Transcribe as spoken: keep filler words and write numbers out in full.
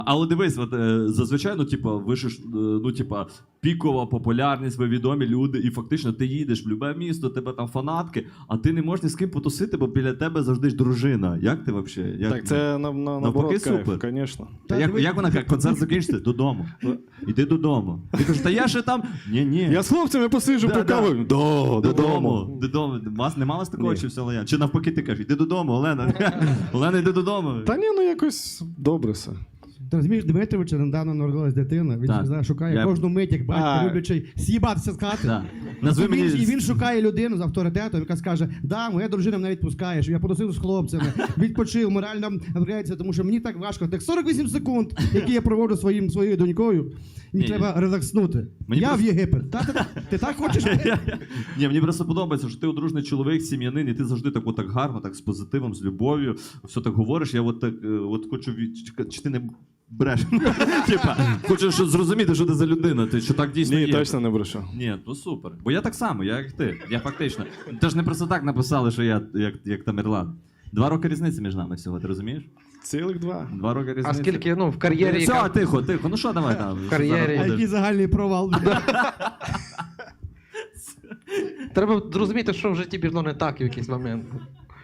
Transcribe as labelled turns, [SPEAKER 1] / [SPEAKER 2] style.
[SPEAKER 1] Але дивись, от, е, зазвичай, ну, типа, ви ж, е, ну, типа, пікова популярність, ви відомі люди, і фактично ти їдеш в любе місто, тебе там фанатки, а ти не можеш ні з ким потусити, бо біля тебе завжди ж дружина. Як ти взагалі? Як...
[SPEAKER 2] Так це на, на, наоборот кайф,
[SPEAKER 1] супер.
[SPEAKER 2] звісно.
[SPEAKER 1] Та як, як вона каже, концерт закінчиться? Додому. Іди додому. Ти кажеш, та я ще там. Ні-ні.
[SPEAKER 2] Я з хлопцями посиджу,
[SPEAKER 1] Да,
[SPEAKER 2] покавую.
[SPEAKER 1] да.
[SPEAKER 2] До,
[SPEAKER 1] Додому. Додому. Вас не мало з такого,
[SPEAKER 2] Ні.
[SPEAKER 1] чи все лояльно? Чи навпаки ти кажеш, іди додому, Олена. Олена, йди додому.
[SPEAKER 2] Та ні, ну якось добре все.
[SPEAKER 3] Ти розумієш, Дмитровича недавно народилась дитина, він
[SPEAKER 1] Так.
[SPEAKER 3] знає, шукає
[SPEAKER 1] Я-
[SPEAKER 3] кожну мить, як батько,
[SPEAKER 2] А.
[SPEAKER 3] люблячий з'їбатися з хати.
[SPEAKER 1] Да. Назви
[SPEAKER 3] І він,
[SPEAKER 1] мені...
[SPEAKER 3] і він шукає людину з авторитетом, яка скаже, да, моя дружина мене відпускає, що я потусив з хлопцями, відпочив, морально впрягається, тому що мені так важко. Так сорок вісім секунд, які я проводжу своїм, своєю донькою, мені
[SPEAKER 1] Ні.
[SPEAKER 3] треба релакснути.
[SPEAKER 1] Мені
[SPEAKER 3] я
[SPEAKER 1] просто-
[SPEAKER 3] в Єгипет. Та, та, ти так хочеш?
[SPEAKER 1] Ні, мені просто подобається, що ти одружний чоловік, сім'янин, і ти завжди так, так гарно, так з позитивом, з любов'ю, все так говориш. Я от так, е, от хочу від... чи ти не бреш. Типа, хочу що зрозуміти, що ти за людина, ти що так дійсно
[SPEAKER 2] Ні,
[SPEAKER 1] є.
[SPEAKER 2] точно не брешу.
[SPEAKER 1] Ні, ну супер. Бо я так само, я як ти. Я фактично. Ти ж не просто так написали, що я як, як Тамерлан. Два роки різниці між нами всього, ти розумієш?
[SPEAKER 2] Цілих два.
[SPEAKER 1] Два роки різниці.
[SPEAKER 4] А скільки, ну, в кар'єрі...
[SPEAKER 1] Все,
[SPEAKER 4] яка-
[SPEAKER 1] тихо, тихо. Ну що давай там?
[SPEAKER 4] В кар'єрі.
[SPEAKER 3] А який загальний провал.
[SPEAKER 4] Треба зрозуміти, що в житті пішло не так в якийсь момент.